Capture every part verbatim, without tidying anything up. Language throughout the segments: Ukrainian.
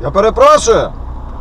Я перепрошую.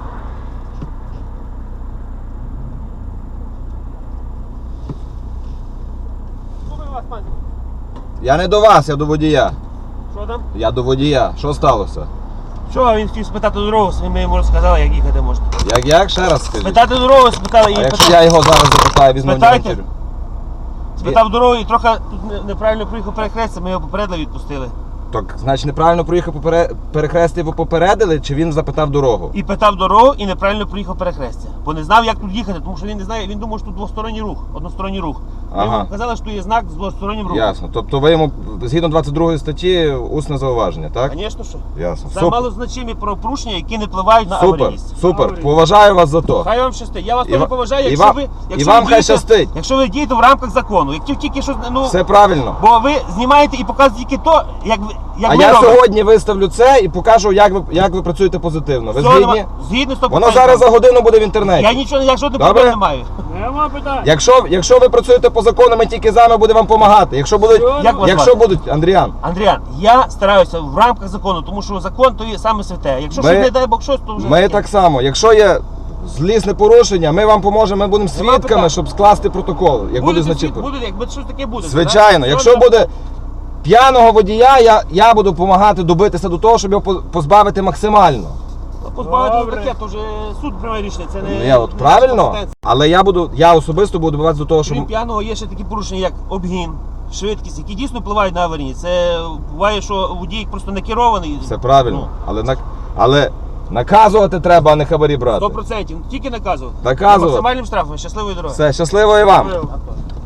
Я не до вас, я до водія. Що там? Я до водія. Що сталося? Що, він хотів спитати дорогу, ми йому розказали, як їхати можна. Як як? Ще раз скажіть. Спитати дорогу, спитали і А якщо я його зараз запитаю, візьму Спитайте. інтерв'ю? Спитав дорогу і трохи тут неправильно приїхав перехрестя, ми його попередили, відпустили. Так, значить, неправильно проїхав попере... перехрестя, його попередили, чи він запитав дорогу? І питав дорогу, і неправильно проїхав перехрестя. Бо не знав, як тут їхати, тому що він не знає, він думав, що тут двосторонній рух, односторонній рух. Ми Ага. йому казали, що тут є знак з двостороннім рухом. Ясно. Тобто ви йому, згідно двадцять другої статті, усне зауваження, так? Звісно, що. Ясно. Це Супер. малозначимі правопорушення, які не впливають на Супер, аварійність. супер. Поважаю вас за то. Хай вам щастить. Я вас І теж ва- поважаю, і якщо вам- ви, і якщо вам ви хай дієте, щастить. якщо ви дієте в рамках закону. Як тільки щось, ну, Все правильно. бо ви знімаєте і показуєте тільки то, як ви, як А ви я робите. сьогодні виставлю це і покажу, як ви, як ви працюєте позитивно. Ви Все, згідні? нема- Згідно з Воно зараз за годину буде в інтернеті. Я нічого, я жодних Добре? проблем не маю. Нема питань. Якщо, якщо ви працюєте по закону, ми тільки з вами будемо вам допомагати. Якщо будуть, Як вас якщо звати? будуть, Андріан, Андріан, я стараюся в рамках закону, тому що закон то є саме святе. Якщо Ми- щось не дай Бог щось, то вже ми таке. так само. Якщо є злісне порушення, ми вам поможемо, ми будемо Нема свідками, питань. щоб скласти протокол, як буде Буде, значити. буде, буде, якби щось таке буде. Звичайно, так? якщо Все, буде п'яного водія, я, я буду допомагати добитися до того, щоб його по- позбавити максимально. ну, позбавити Добре. таке, то вже суд приймає рішення. Це не, Ну, я от не правильно, наша компетенція. але я буду, я особисто буду добиватися до того, щоб Крім п'яного є ще такі порушення, як обгін, швидкість, які дійсно впливають на аварійність. Це буває, що водій просто не керований. все правильно. Ну, Але на але наказувати треба, а не хабарі брати. сто процентів. Тільки наказувати. Наказувати. Максимальним штрафом. Щасливої дороги. Все, щасливо і вам. Щасливо.